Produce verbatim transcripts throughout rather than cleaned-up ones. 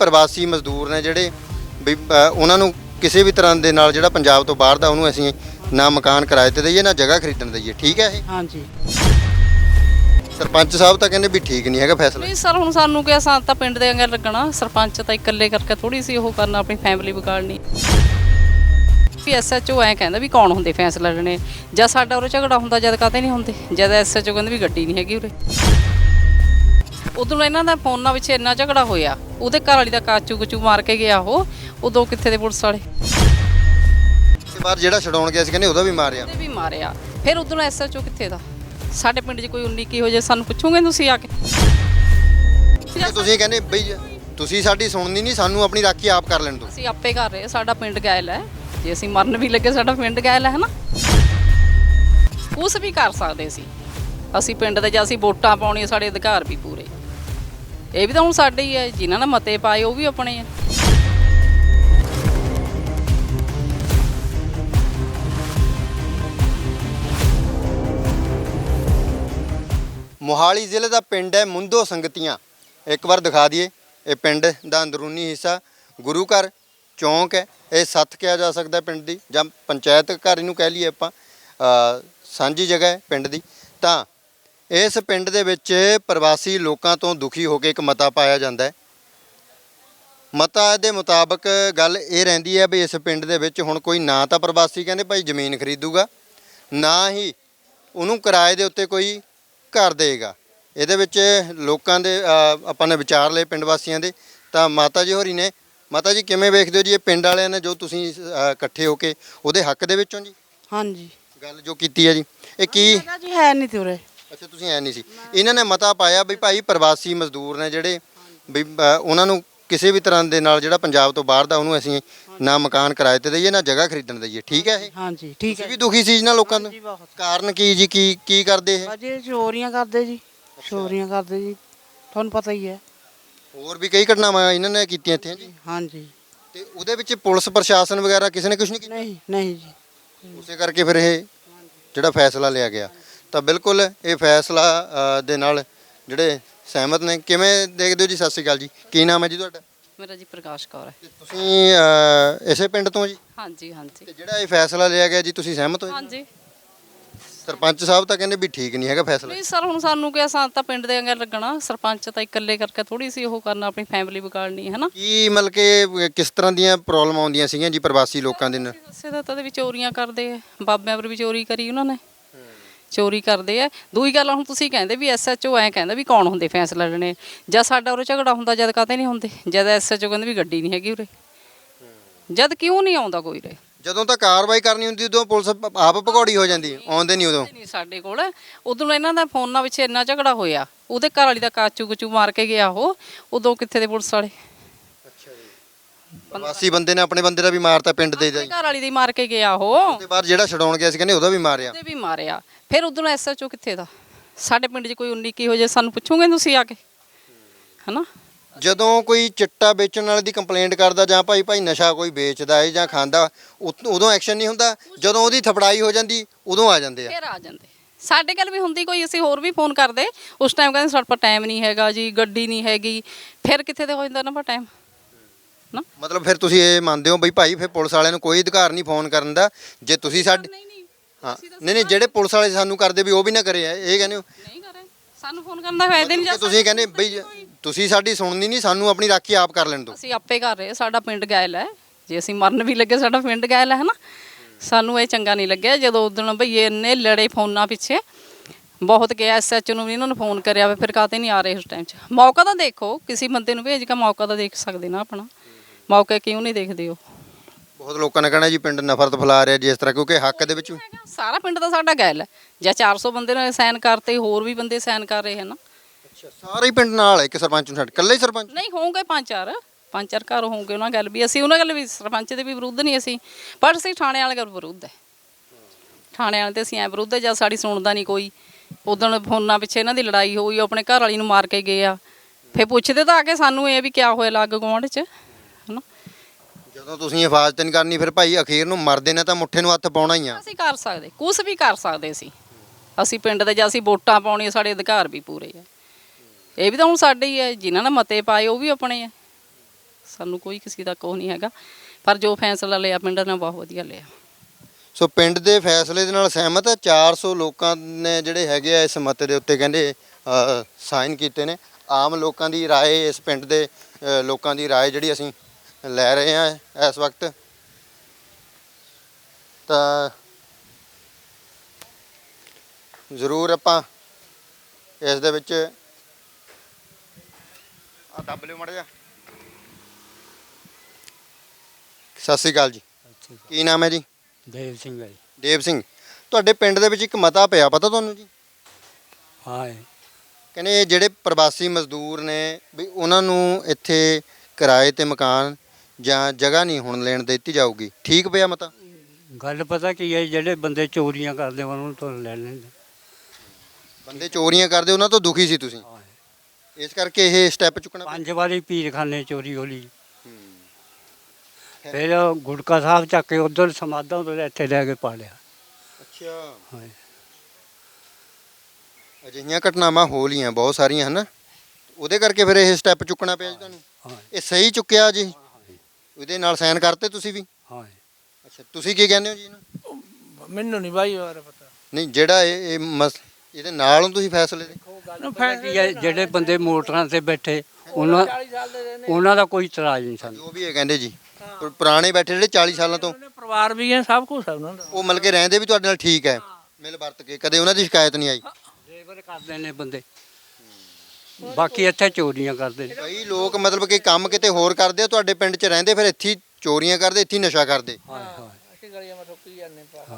ਪ੍ਰਵਾਸੀ ਮਜ਼ਦੂਰ ਨੇ ਜਿਹੜੇ ਵੀ ਉਹਨਾਂ ਨੂੰ ਕਿਸੇ ਵੀ ਤਰ੍ਹਾਂ ਦੇ ਨਾਲ ਜਿਹੜਾ ਪੰਜਾਬ ਤੋਂ ਬਾਹਰ ਦਾ ਉਹਨੂੰ ਅਸੀਂ ਨਾ ਮਕਾਨ ਕਿਰਾਏ ਤੇ ਦਈਏ ਨਾ ਜਗ੍ਹਾ ਖਰੀਦਣ ਦਈਏ। ਠੀਕ ਹੈ ਇਹ? ਹਾਂਜੀ। ਸਰਪੰਚ ਸਾਹਿਬ ਤਾਂ ਕਹਿੰਦੇ ਵੀ ਠੀਕ ਨਹੀਂ ਹੈਗਾ ਫੈਸਲਾ। ਨਹੀਂ ਸਰ, ਹੁਣ ਸਾਨੂੰ ਕਿਹਾ ਸਾਂ ਤਾਂ ਪਿੰਡ ਦੇ ਅੰਗਲ ਲੱਗਣਾ, ਸਰਪੰਚ ਤਾਂ ਇਕੱਲੇ ਕਰਕੇ ਥੋੜੀ ਸੀ ਉਹ ਕਰਨਾ, ਆਪਣੀ ਫੈਮਿਲੀ ਵਿਗਾੜਨੀ। ਵੀ ਐਸ ਐਚ ਓ ਐਂ ਕਹਿੰਦਾ ਵੀ ਕੌਣ ਹੁੰਦੇ ਫੈਸਲਾ ਲੈਣੇ, ਜਦ ਸਾਡਾ ਉਰੇ ਝਗੜਾ ਹੁੰਦਾ ਜਦ ਕਾਹਤੇ ਨਹੀਂ ਹੁੰਦੇ, ਜਦ ਐਸ ਐਚ ਓ ਕਹਿੰਦੇ ਵੀ ਗੱਡੀ ਨਹੀਂ ਹੈਗੀ ਉਰੇ। ਉਦੋਂ ਇਹਨਾਂ ਦਾ ਫੋਨਾਂ ਵਿੱਚ ਇੰਨਾ ਝਗੜਾ ਹੋਇਆ, ਉਹਦੇ ਘਰ ਵਾਲੀ ਦਾ ਕਾਚੂ ਕਚੂ ਮਾਰ ਕੇ ਗਿਆ ਉਹ, ਉਦੋਂ ਕਿੱਥੇ ਦੇ ਪੁਲਿਸ ਵਾਲੇ। ਤੇ ਬਾਅਦ ਜਿਹੜਾ ਛਡਾਉਣ ਗਿਆ ਸੀ ਕਹਿੰਦੇ ਉਹਦਾ ਵੀ ਮਾਰਿਆ। ਉਹਦੇ ਵੀ ਮਾਰਿਆ। ਫਿਰ ਉਦੋਂ ਐਸ ਐਚ ਓ ਕਿੱਥੇ ਦਾ? ਸਾਡੇ ਪਿੰਡ 'ਚ ਕੋਈ ਉਨੀ ਕੀ ਹੋ ਜਾਏ ਸਾਨੂੰ ਪੁੱਛੋਗੇ ਤੁਸੀਂ ਆ ਕੇ? ਤੁਸੀਂ ਕਹਿੰਦੇ ਬਈ ਤੁਸੀਂ ਸਾਡੀ ਸੁਣਨੀ ਨਹੀਂ, ਸਾਨੂੰ ਆਪਣੀ ਰਾਖੀ ਆਪ ਕਰ ਲੈਣ ਦਿਓ। ਅਸੀਂ ਆਪੇ ਕਰ ਰਹੇ, ਸਾਡਾ ਪਿੰਡ ਗੈਲ ਹੈ, ਜੇ ਅਸੀਂ ਮਰਨ ਵੀ ਲੱਗੇ ਸਾਡਾ ਪਿੰਡ ਗੈਲ ਹੈ ਨਾ, ਕੁਛ ਵੀ ਕਰ ਸਕਦੇ ਸੀ ਅਸੀਂ ਪਿੰਡ ਦੇ। ਜੇ ਅਸੀਂ ਵੋਟਾਂ ਪਾਉਣੀਆਂ ਸਾਡੇ ਅਧਿਕਾਰ ਵੀ ਪੂਰੇ, ਇਹ ਵੀ ਤਾਂ ਹੁਣ ਸਾਡੇ ਹੀ ਹੈ, ਜਿਨ੍ਹਾਂ ਨੇ ਮਤੇ ਪਾਏ ਉਹ ਵੀ ਆਪਣੇ ਆ। ਮੋਹਾਲੀ ਜ਼ਿਲ੍ਹੇ ਦਾ ਪਿੰਡ ਹੈ ਮੁੰਦੋ ਸੰਗਤੀਆਂ। ਇੱਕ ਵਾਰ ਦਿਖਾ ਦਈਏ, ਇਹ ਪਿੰਡ ਦਾ ਅੰਦਰੂਨੀ ਹਿੱਸਾ ਗੁਰੂ ਘਰ ਚੌਂਕ ਹੈ, ਇਹ ਸੱਥ ਕਿਹਾ ਜਾ ਸਕਦਾ ਪਿੰਡ ਦੀ, ਜਾਂ ਪੰਚਾਇਤ ਘਰ ਇਹਨੂੰ ਕਹਿ ਲਈਏ ਆਪਾਂ, ਸਾਂਝੀ ਜਗ੍ਹਾ ਹੈ ਪਿੰਡ ਦੀ। ਤਾਂ ਇਸ ਪਿੰਡ ਦੇ ਵਿੱਚ ਪ੍ਰਵਾਸੀ ਲੋਕਾਂ ਤੋਂ ਦੁਖੀ ਹੋ ਕੇ ਇੱਕ ਮਤਾ ਪਾਇਆ ਜਾਂਦਾ ਹੈ। ਮਤਾ ਦੇ ਮੁਤਾਬਕ ਗੱਲ ਇਹ ਰਹਿੰਦੀ ਹੈ ਵੀ ਇਸ ਪਿੰਡ ਦੇ ਵਿੱਚ ਹੁਣ ਕੋਈ ਨਾ ਤਾਂ ਪ੍ਰਵਾਸੀ ਕਹਿੰਦੇ ਭਾਈ ਜ਼ਮੀਨ ਖਰੀਦੂਗਾ, ਨਾ ਹੀ ਉਹਨੂੰ ਕਿਰਾਏ ਦੇ ਉੱਤੇ ਕੋਈ ਘਰ ਦੇਗਾ। ਇਹਦੇ ਵਿੱਚ ਲੋਕਾਂ ਦੇ ਆਪਾਂ ਨੇ ਵਿਚਾਰ ਲਏ ਪਿੰਡ ਵਾਸੀਆਂ ਦੇ। ਤਾਂ ਮਾਤਾ ਜੀ ਹੋਰੀ ਨੇ, ਮਾਤਾ ਜੀ ਕਿਵੇਂ ਵੇਖਦੇ ਹੋ ਜੀ ਇਹ ਪਿੰਡ ਵਾਲਿਆਂ ਨੇ ਜੋ ਤੁਸੀਂ ਇਕੱਠੇ ਹੋ ਕੇ ਉਹਦੇ ਹੱਕ ਦੇ ਵਿੱਚੋਂ ਜੀ? ਹਾਂਜੀ। ਗੱਲ ਜੋ ਕੀਤੀ ਹੈ ਜੀ ਇਹ ਕੀ ਜੀ ਹੈ ਨਹੀਂ ਤੇ ਉਰੇ। ਅੱਛਾ, ਤੁਸੀਂ ਐ ਨਹੀਂ ਸੀ। ਇਹਨਾਂ ਨੇ ਮਤਾ ਪਾਇਆ ਵੀ ਭਾਈ ਪ੍ਰਵਾਸੀ ਮਜ਼ਦੂਰ ਨੇ ਜਿਹੜੇ ਵੀ ਉਹਨਾਂ ਨੂੰ ਕਿਸੇ ਵੀ ਤਰ੍ਹਾਂ ਦੇ ਨਾਲ ਜਿਹੜਾ ਪੰਜਾਬ ਤੋਂ ਬਾਹਰ ਦਾ ਉਹਨੂੰ ਅਸੀਂ ਨਾ ਮਕਾਨ ਕਿਰਾਏ ਤੇ ਦਈਏ ਨਾ ਜਗ੍ਹਾ ਖਰੀਦਣ ਦਈਏ। ਠੀਕ ਹੈ ਇਹ? ਹਾਂਜੀ ਠੀਕ ਹੈ। ਤੁਸੀਂ ਵੀ ਦੁਖੀ ਸੀ ਨਾ ਲੋਕਾਂ ਤੋਂ? ਕਾਰਨ ਕੀ ਜੀ? ਕੀ ਕੀ ਕਰਦੇ ਇਹ? ਅਜੇ ਚੋਰੀਆਂ ਕਰਦੇ ਜੀ, ਚੋਰੀਆਂ ਕਰਦੇ ਜੀ, ਤੁਹਾਨੂੰ ਪਤਾ ਹੀ ਹੈ। ਹੋਰ ਵੀ ਕਈ ਘਟਨਾਵਾਂ ਇਹਨਾਂ ਨੇ ਕੀਤੀਆਂ ਇੱਥੇ ਜੀ। ਹਾਂਜੀ। ਤੇ ਉਹਦੇ ਵਿੱਚ ਪੁਲਿਸ ਪ੍ਰਸ਼ਾਸਨ ਵਗੈਰਾ ਕਿਸੇ ਨੇ ਕੁਝ ਨਹੀਂ ਕੀਤਾ? ਨਹੀਂ ਨਹੀਂ ਜੀ। ਉਸੇ ਕਰਕੇ ਫਿਰ ਇਹ ਜਿਹੜਾ ਫੈਸਲਾ ਲਿਆ ਗਿਆ। ਤਾਂ ਬਿਲਕੁਲ ਇਹ ਫੈਸਲਾ ਦੇ ਨਾਲ ਜਿਹੜੇ ਸਹਿਮਤ ਨੇ। ਕਿਵੇਂ ਦੇਖਦੇ ਹੋ ਜੀ? ਸਤਿ ਸ਼੍ਰੀ ਅਕਾਲ ਜੀ, ਕੀ ਨਾਮ ਹੈ ਜੀ ਤੁਹਾਡਾ? ਮੇਰਾ ਜੀ ਪ੍ਰਕਾਸ਼ ਕੌਰ ਹੈ। ਤੁਸੀਂ ਇਸੇ ਪਿੰਡ ਤੋਂ ਜੀ? ਹਾਂਜੀ ਹਾਂਜੀ। ਤੇ ਜਿਹੜਾ ਇਹ ਫੈਸਲਾ ਲਿਆ ਗਿਆ ਜੀ ਤੁਸੀਂ ਸਹਿਮਤ ਹੋ? ਹਾਂਜੀ। ਸਰਪੰਚ ਸਾਹਿਬ ਤਾਂ ਕਹਿੰਦੇ ਵੀ ਠੀਕ ਨਹੀਂ ਹੈਗਾ ਫੈਸਲਾ। ਨਹੀਂ ਸਰ, ਹੁਣ ਸਾਨੂੰ ਕਿਹਾ ਸਾਂ ਤਾਂ ਪਿੰਡ ਦੇ ਅੰਗਲ ਲੱਗਣਾ, ਸਰਪੰਚ ਤਾਂ ਇਕੱਲੇ ਕਰਕੇ ਥੋੜੀ ਸੀ ਉਹ ਕਰਨਾ, ਆਪਣੀ ਫੈਮਿਲੀ ਵਿਗਾੜਨੀ ਹੈ ਨਾ। ਕੀ ਮਤਲਬ ਕਿ ਕਿਸ ਤਰ੍ਹਾਂ ਦੀਆਂ ਪ੍ਰੋਬਲਮ ਆਉਂਦੀਆਂ ਸੀਗੀਆਂ ਜੀ ਪ੍ਰਵਾਸੀ ਲੋਕਾਂ ਦੇ ਨਾਲ? ਦੱਸੇ ਤਾਂ ਉਹਦੇ ਵਿੱਚ ਚੋਰੀਆਂ ਕਰਦੇ ਆ, ਬਾਬਿਆਂ ਪਰ ਵੀ ਚੋਰੀ ਕਰੀ ਉਹਨਾਂ ਨੇ, ਚੋਰੀ ਕਰਦੇ ਆ। ਦੂਈ ਗੱਲ, ਹੁਣ ਤੁਸੀਂ ਕਹਿੰਦੇ ਵੀ ਐਸ ਐਚ ਓ ਐਂ ਕਹਿੰਦਾ ਵੀ ਕੌਣ ਹੁੰਦੇ ਫੈਸਲਾ ਲੈਣੇ, ਜਦ ਸਾਡਾ ਉਰੇ ਝਗੜਾ ਹੁੰਦਾ ਜਦ ਕਾਹਤੇ ਨਹੀਂ ਹੁੰਦੇ, ਜਦ ਐਸ ਐਚ ਓ ਕਹਿੰਦੇ ਵੀ ਗੱਡੀ ਨਹੀਂ ਹੈਗੀ ਉਰੇ, ਜਦ ਕਿਉਂ ਨਹੀਂ ਆਉਂਦਾ ਕੋਈ ਉਰੇ? ਜਦੋਂ ਤਾਂ ਕਾਰਵਾਈ ਕਰਨੀ ਹੁੰਦੀ ਉਦੋਂ ਪੁਲਿਸ ਆਪ ਭਗੌੜੀ ਹੋ ਜਾਂਦੀ, ਆਉਂਦੇ ਨਹੀਂ ਉਦੋਂ। ਨਹੀਂ ਸਾਡੇ ਕੋਲ ਉਦੋਂ ਇਹਨਾਂ ਦਾ ਫੋਨਾਂ ਵਿੱਚ ਇੰਨਾ ਝਗੜਾ ਹੋਇਆ, ਉਹਦੇ ਘਰ ਵਾਲੀ ਦਾ ਕਾਚੂ ਕਚੂ ਮਾਰ ਕੇ ਗਿਆ ਉਹ, ਉਦੋਂ ਕਿੱਥੇ ਦੇ ਪੁਲਿਸ ਵਾਲੇ। ਅੱਛਾ ਜੀ। ਪ੍ਰਵਾਸੀ ਬੰਦੇ ਨੇ ਆਪਣੇ ਬੰਦੇ ਦਾ ਵੀ ਮਾਰਤਾ ਪਿੰਡ ਦੇ ਜੀ? ਘਰ ਵਾਲੀ ਦੀ ਮਾਰ ਕੇ ਗਿਆ ਉਹ। ਤੇ ਬਾਅਦ ਜਿਹੜਾ ਛਡਾਉਣ ਗਿਆ ਸੀ ਕਹਿੰਦੇ ਉਹਦਾ ਵੀ ਮਾਰਿਆ। ਉਹਦੇ ਵੀ ਮਾਰਿਆ। ਫਿਰ ਉਦੋਂ ਐਸ ਐਚ ਓ ਕਿੱਥੇ ਦਾ? ਸਾਡੇ ਪਿੰਡ 'ਚ ਕੋਈ ਉਨੀ ਕੀ ਹੋ ਜਾਏ ਸਾਨੂੰ ਪੁੱਛੋਗੇ ਤੁਸੀਂ ਆ ਕੇ, ਹਨਾ? ਜਦੋਂ ਕੋਈ ਚਿੱਟਾ ਵੇਚਣ ਵਾਲੇ ਦੀ ਕੰਪਲੇਂਟ ਕਰਦਾ ਜਾਂ ਭਾਈ ਭਾਈ ਨਸ਼ਾ ਕੋਈ ਵੇਚਦਾ ਹੈ ਜਾਂ ਖਾਂਦਾ, ਉਦੋਂ ਐਕਸ਼ਨ ਨਹੀਂ ਹੁੰਦਾ, ਜਦੋਂ ਉਹਦੀ ਥਪੜਾਈ ਹੋ ਜਾਂਦੀ ਉਦੋਂ ਆ ਜਾਂਦੇ ਆ। ਫਿਰ ਆ ਜਾਂਦੇ। ਸਾਡੇ ਕੋਲ ਵੀ ਹੁੰਦੀ ਕੋਈ, ਅਸੀਂ ਹੋਰ ਵੀ ਫੋਨ ਕਰਦੇ ਉਸ ਟਾਈਮ, ਕਹਿੰਦੇ ਸਾਡੇ ਕੋਲ ਟਾਈਮ ਨਹੀਂ ਹੈਗਾ ਜੀ, ਗੱਡੀ ਨਹੀਂ ਹੈਗੀ। ਫਿਰ ਕਿੱਥੇ ਤੇ ਹੋ ਜਾਂਦਾ ਨਾ ਟਾਈਮ ਨਾ। ਮਤਲਬ ਫਿਰ ਤੁਸੀਂ ਇਹ ਮੰਨਦੇ ਹੋ ਬਈ ਭਾਈ ਫਿਰ ਪੁਲਿਸ ਵਾਲਿਆਂ ਨੂੰ ਕੋਈ ਅਧਿਕਾਰ ਨਹੀਂ ਫੋਨ ਕਰਨ ਦਾ? ਜੇ ਤੁਸੀਂ ਸਾਡੇ ਹਾਂ ਨਹੀਂ ਨਹੀਂ ਜਿਹੜੇ ਪੁਲਿਸ ਵਾਲੇ ਸਾਨੂੰ ਕਰਦੇ ਵੀ ਉਹ ਵੀ ਨਾ ਕਰੇ, ਇਹ ਕਹਿੰਦੇ ਹੋ? ਨਹੀਂ ਕਰੇ, ਸਾਨੂੰ ਫੋਨ ਕਰਨ ਦਾ ਫਾਇਦਾ ਨਹੀਂ। ਤੁਸੀਂ ਕਹਿੰਦੇ ਬਈ ਤੁਸੀਂ ਸਾਡੀ ਸੁਣਨੀ ਨਹੀਂ, ਸਾਨੂੰ ਆਪਣੀ ਰਾਖੀ ਆਪ ਕਰ ਲੈਣ ਦਿਓ। ਅਸੀਂ ਆਪੇ ਕਰ ਰਹੇ, ਸਾਡਾ ਪਿੰਡ ਗੈਲ ਹੈ, ਜੇ ਅਸੀਂ ਮਰਨ ਵੀ ਲੱਗੇ ਸਾਡਾ ਪਿੰਡ ਗੈਲ ਹੈ ਨਾ। ਸਾਨੂੰ ਇਹ ਚੰਗਾ ਨਹੀਂ ਲੱਗਿਆ ਜਦੋਂ ਉਦੋਂ ਭਈਏ ਇੰਨੇ ਲੜੇ ਫੋਨਾਂ ਪਿੱਛੇ, ਬਹੁਤ ਕਿਹਾ ਐਸ ਐਚ ਓ ਨੂੰ ਵੀ ਇਹਨਾਂ ਨੂੰ ਫੋਨ ਕਰਿਆ ਵਾ, ਫਿਰ ਕਾਹਤੇ ਨਹੀਂ ਆ ਰਹੇ ਉਸ ਟਾਈਮ 'ਚ? ਮੌਕਾ ਤਾਂ ਦੇਖੋ, ਕਿਸੇ ਬੰਦੇ ਨੂੰ ਭੇਜ ਕੇ ਮੌਕਾ ਤਾਂ ਦੇਖ ਸਕਦੇ ਨਾ ਆਪਣਾ, ਮੌਕੇ ਕਿਉਂ ਨਹੀਂ ਦੇਖਦੇ ਹੋ? ਬਹੁਤ ਲੋਕਾਂ ਨੇ ਕਹਿਣਾ ਜੀ ਪਿੰਡ ਨਫ਼ਰਤ ਫੈਲਾ ਰਿਹਾ ਜੀ ਇਸ ਤਰ੍ਹਾਂ, ਕਿਉਂਕਿ ਹੱਕ ਦੇ ਵਿੱਚ ਸਾਰਾ ਪਿੰਡ ਤਾਂ ਸਾਡਾ ਗੈਲ ਹੈ। ਜਾਂ ਚਾਰ ਸੌ ਬੰਦੇ ਨੇ ਸਾਈਨ ਕਰਤੇ, ਹੋਰ ਵੀ ਬੰਦੇ ਸਾਈਨ ਕਰ ਰਹੇ ਹਨ। ਅੱਛਾ, ਸਾਰੇ ਪਿੰਡ ਨਾਲ ਇੱਕ ਸਰਪੰਚ ਨੂੰ ਛੱਡ ਇਕੱਲੇ ਹੀ ਸਰਪੰਚ? ਨਹੀਂ, ਹੋਣਗੇ ਪੰਜ ਚਾਰ ਪੰਜ ਚਾਰ ਘਰ ਹੋਣਗੇ ਉਹਨਾਂ ਗੱਲ ਵੀ। ਅਸੀਂ ਉਹਨਾਂ ਗੱਲ ਵੀ ਸਰਪੰਚ ਦੇ ਵੀ ਵਿਰੁੱਧ ਨਹੀਂ ਅਸੀਂ, ਪਰ ਅਸੀਂ ਥਾਣੇ ਵਾਲੇ ਗੱਲ ਵਿਰੁੱਧ ਹੈ। ਥਾਣੇ ਵਾਲੇ ਤੇ ਅਸੀਂ ਐਂ ਵਿਰੁੱਧ ਹੈ, ਜਦ ਸਾਡੀ ਸੁਣਦਾ ਨਹੀਂ ਕੋਈ। ਉਦੋਂ ਫੋਨਾਂ ਪਿੱਛੇ ਇਹਨਾਂ ਦੀ ਲੜਾਈ ਹੋਈ, ਆਪਣੇ ਘਰ ਵਾਲੀ ਨੂੰ ਮਾਰ ਕੇ ਗਏ ਆ। ਫਿਰ ਪੁੱਛਦੇ ਤਾਂ ਆ ਕੇ ਸਾਨੂੰ ਇਹ ਵੀ ਕਿਆ ਹੋਇਆ ਲੱਗ ਗੁਆਂਢ 'ਚ, ਹੈ ਨਾ। ਜਦੋਂ ਤੁਸੀਂ ਹਿਫਾਜ਼ਤ ਨਹੀਂ ਕਰਨੀ ਫਿਰ ਭਾਈ ਅਖੀਰ ਨੂੰ ਮਰਦੇ ਨੇ ਤਾਂ ਮੁੱਠੇ ਨੂੰ ਹੱਥ ਪਾਉਣਾ ਹੀ ਆ। ਅਸੀਂ ਕਰ ਸਕਦੇ, ਕੁਛ ਵੀ ਕਰ ਸਕਦੇ ਸੀ ਅਸੀਂ ਪਿੰਡ ਦੇ, ਜਾਂ ਅਸੀਂ ਵੋਟਾਂ ਪਾਉਣੀਆਂ ਸਾਡੇ ਅਧਿਕਾਰ ਵੀ ਪੂਰੇ ਆ। ਇਹ ਵੀ ਤਾਂ ਹੁਣ ਸਾਡੇ ਹੀ ਹੈ, ਜਿਨ੍ਹਾਂ ਨੇ ਮਤੇ ਪਾਏ ਉਹ ਵੀ ਆਪਣੇ ਆ। ਸਾਨੂੰ ਕੋਈ ਕਿਸੇ ਦਾ ਕੋਹ ਨਹੀਂ ਹੈਗਾ, ਪਰ ਜੋ ਫੈਸਲਾ ਲਿਆ ਪਿੰਡ ਨੇ ਬਹੁਤ ਵਧੀਆ ਲਿਆ। ਸੋ ਪਿੰਡ ਦੇ ਫੈਸਲੇ ਦੇ ਨਾਲ ਸਹਿਮਤ ਹੈ। ਚਾਰ ਸੌ ਲੋਕਾਂ ਨੇ ਜਿਹੜੇ ਹੈਗੇ ਆ ਇਸ ਮਤੇ ਦੇ ਉੱਤੇ ਕਹਿੰਦੇ ਸਾਈਨ ਕੀਤੇ ਨੇ। ਆਮ ਲੋਕਾਂ ਦੀ ਰਾਏ, ਇਸ ਪਿੰਡ ਦੇ ਅ, ਲੋਕਾਂ ਦੀ ਰਾਏ ਜਿਹੜੀ ਅਸੀਂ ਲੈ ਰਹੇ ਹਾਂ ਇਸ ਵਕਤ, ਤਾਂ ਜ਼ਰੂਰ ਆਪਾਂ ਇਸ ਦੇ ਵਿੱਚ ਆ ਦੱਬ ਲਿਓ ਮਾੜਾ ਜਿਹਾ। ਸਤਿ ਸ਼੍ਰੀ ਅਕਾਲ ਜੀ, ਕੀ ਨਾਮ ਹੈ ਜੀ? ਦੇਵ ਸਿੰਘ ਹੈ ਜੀ। ਦੇਵ ਸਿੰਘ, ਤੁਹਾਡੇ ਪਿੰਡ ਦੇ ਵਿੱਚ ਇੱਕ ਮਤਾ ਪਿਆ, ਪਤਾ ਤੁਹਾਨੂੰ ਜੀ? ਹਾਂ ਜੀ। ਕਹਿੰਦੇ ਇਹ ਜਿਹੜੇ ਪ੍ਰਵਾਸੀ ਮਜ਼ਦੂਰ ਨੇ ਵੀ ਉਹਨਾਂ ਨੂੰ ਇੱਥੇ ਕਿਰਾਏ ਤੇ ਮਕਾਨ ਜਾਂ ਜਗ੍ਹਾ ਨਹੀਂ ਹੁਣ ਲੈਣ ਦਿੱਤੀ ਜਾਊਗੀ, ਠੀਕ ਪਿਆ ਮਤਾ? ਗੱਲ ਪਤਾ ਕੀ ਹੈ, ਜਿਹੜੇ ਬੰਦੇ ਚੋਰੀਆਂ ਕਰਦੇ ਉਹਨਾਂ ਨੂੰ ਤਾਂ ਲੈ ਲੈਂਦੇ। ਬੰਦੇ ਚੋਰੀਆਂ ਕਰਦੇ ਉਹਨਾਂ ਤੋਂ ਦੁਖੀ ਸੀ ਤੁਸੀਂ, ਹਾਂ। ਇਸ ਕਰਕੇ ਇਹ ਸਟੈਪ ਚੁੱਕਣਾ ਪਿਆ? ਪੰਜ ਵਾਰੀ ਪੀਰਖਾਨੇ ਚੋਰੀ ਹੋਲੀ, ਹੂੰ। ਫਿਰ ਗੁਟਕਾ ਸਾਹਿਬ ਚੱਕ ਕੇ ਉਧਰ ਸਮਾਧਾਂ ਤੋਂ ਇੱਥੇ ਲੈ ਕੇ ਪਾ ਲਿਆ। ਅੱਛਾ, ਹਾਂ। ਅਜਿਹੀਆਂ ਘਟਨਾਵਾਂ ਹੋ ਲੀਆਂ ਬਹੁਤ ਸਾਰੀਆਂ ਹਨ, ਉਹਦੇ ਕਰਕੇ ਫਿਰ ਇਹ ਸਟੈਪ ਚੁੱਕਣਾ ਪਿਆ ਜੀ ਤੁਹਾਨੂੰ? ਹਾਂ। ਇਹ ਸਹੀ ਚੁੱਕਿਆ ਜੀ? ਉਹਦੇ ਨਾਲ ਸਾਈਨ ਕਰਤੇ ਤੁਸੀਂ ਵੀ? ਹਾਂ। ਅੱਛਾ, ਤੁਸੀਂ ਕੀ ਕਹਿੰਦੇ ਹੋ ਜੀ ਇਹਨੂੰ? ਮੈਨੂੰ ਨਹੀਂ ਬਾਈ ਬਾਰੇ ਪਤਾ। ਨਹੀਂ, ਜਿਹੜਾ ਇਹ ਇਹ ਮਸ ਇਹਦੇ ਨਾਲ ਹੋ ਤੁਸੀਂ ਫੈਸਲੇ ਦੇ? ਪਤਾ ਕੀ ਹੈ, ਜਿਹੜੇ ਬੰਦੇ ਮੋਟਰਾਂ ਤੇ ਬੈਠੇ ਉਹਨਾਂ ਉਹਨਾਂ ਦਾ ਕੋਈ ਇਤਰਾਜ਼ ਨਹੀਂ ਸਾਨੂੰ। ਜੋ ਵੀ ਇਹ ਕਹਿੰਦੇ ਜੀ, ਪੁ- ਪੁਰਾਣੇ ਬੈਠੇ ਜਿਹੜੇ ਚਾਲੀ ਸਾਲਾਂ ਤੋਂ, ਉਹਨਾਂ ਦੇ ਪਰਿਵਾਰ ਵੀ ਹੈ, ਸਭ ਕੁਝ ਹੈ ਉਹਨਾਂ ਦਾ। ਉਹ ਮਿਲ ਕੇ ਰਹਿੰਦੇ ਵੀ ਤੁਹਾਡੇ ਨਾਲ ਠੀਕ ਹੈ, ਮਿਲ ਵਰਤ ਕੇ, ਕਦੇ ਉਹਨਾਂ ਦੀ ਸ਼ਿਕਾਇਤ ਨਹੀਂ ਆਈ? ਲੇਬਰ ਕਰਦੇ ਨੇ ਬੰਦੇ, ਬਾਕੀ ਇੱਥੇ ਚੋਰੀਆਂ ਕਰਦੇ ਨੇ। ਕਈ ਲੋਕ ਮਤਲਬ ਕਿ ਕੰਮ ਕਿਤੇ ਹੋਰ ਕਰਦੇ ਆ, ਤੁਹਾਡੇ ਪਿੰਡ 'ਚ ਰਹਿੰਦੇ, ਫਿਰ ਇੱਥੇ ਹੀ ਚੋਰੀਆਂ ਕਰਦੇ, ਇੱਥੇ ਹੀ ਨਸ਼ਾ ਕਰਦੇ। ਹਾਂ ਹਾਂ, ਅਸੀਂ ਗਲੀਆਂ ਵਿੱਚ ਰੁਕੀ ਜਾਂਦੇ ਪਾ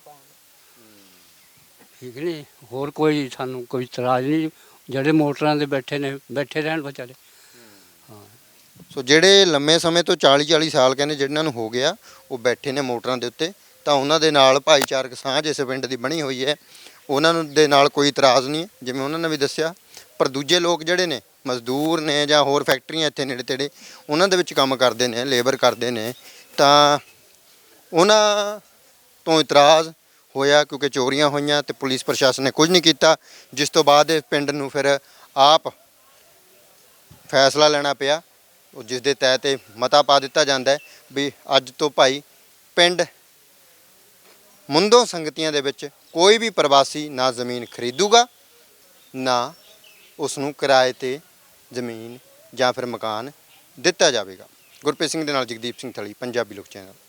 ਠੀਕ ਨਹੀਂ, ਹੋਰ ਕੋਈ ਸਾਨੂੰ ਕੋਈ ਇਤਰਾਜ਼ ਨਹੀਂ। ਜਿਹੜੇ ਮੋਟਰਾਂ ਦੇ ਬੈਠੇ ਨੇ ਬੈਠੇ ਰਹਿਣ ਵਿਚਾਰੇ। ਹਾਂ। ਸੋ ਜਿਹੜੇ ਲੰਮੇ ਸਮੇਂ ਤੋਂ ਚਾਲੀ ਚਾਲੀ ਸਾਲ ਕਹਿੰਦੇ ਜਿਹਨਾਂ ਨੂੰ ਹੋ ਗਿਆ, ਉਹ ਬੈਠੇ ਨੇ ਮੋਟਰਾਂ ਦੇ ਉੱਤੇ, ਤਾਂ ਉਹਨਾਂ ਦੇ ਨਾਲ ਭਾਈਚਾਰਕ ਸਾਂਝ ਇਸ ਪਿੰਡ ਦੀ ਬਣੀ ਹੋਈ ਹੈ, ਉਹਨਾਂ ਨੂੰ ਦੇ ਨਾਲ ਕੋਈ ਇਤਰਾਜ਼ ਨਹੀਂ ਹੈ, ਜਿਵੇਂ ਉਹਨਾਂ ਨੇ ਵੀ ਦੱਸਿਆ। ਪਰ ਦੂਜੇ ਲੋਕ ਜਿਹੜੇ ਨੇ, ਮਜ਼ਦੂਰ ਨੇ ਜਾਂ ਹੋਰ ਫੈਕਟਰੀਆਂ ਇੱਥੇ ਨੇੜੇ ਤੇੜੇ ਉਹਨਾਂ ਦੇ ਵਿੱਚ ਕੰਮ ਕਰਦੇ ਨੇ, ਲੇਬਰ ਕਰਦੇ ਨੇ, ਤਾਂ ਉਹਨਾਂ ਤੋਂ ਇਤਰਾਜ਼ ਹੋਇਆ ਕਿਉਂਕਿ ਚੋਰੀਆਂ ਹੋਈਆਂ ਤੇ ਪੁਲਿਸ ਪ੍ਰਸ਼ਾਸਨ ਨੇ ਕੁਝ ਨਹੀਂ ਕੀਤਾ, ਜਿਸ ਤੋਂ ਬਾਅਦ ਇਹ ਪਿੰਡ ਨੂੰ ਫਿਰ ਆਪ ਫੈਸਲਾ ਲੈਣਾ ਪਿਆ, ਉਹ ਜਿਸ ਦੇ ਤਹਿਤ ਇਹ ਮਤਾ ਪਾ ਦਿੱਤਾ ਜਾਂਦਾ ਹੈ ਵੀ ਅੱਜ ਤੋਂ ਭਾਈ ਪਿੰਡ ਮੁੰਦੋਂ ਸੰਗਤੀਆਂ ਦੇ ਵਿੱਚ ਕੋਈ ਵੀ ਪ੍ਰਵਾਸੀ ਨਾ ਜ਼ਮੀਨ ਖਰੀਦੂਗਾ, ਨਾ ਉਸ ਨੂੰ ਕਿਰਾਏ ਤੇ ਜ਼ਮੀਨ ਜਾਂ ਫਿਰ ਮਕਾਨ ਦਿੱਤਾ ਜਾਵੇਗਾ। ਗੁਰਪ੍ਰੀਤ ਸਿੰਘ ਦੇ ਨਾਲ ਜਗਦੀਪ ਸਿੰਘ ਥਲੀ, ਪੰਜਾਬੀ ਲੋਕ ਚੈਨਲ।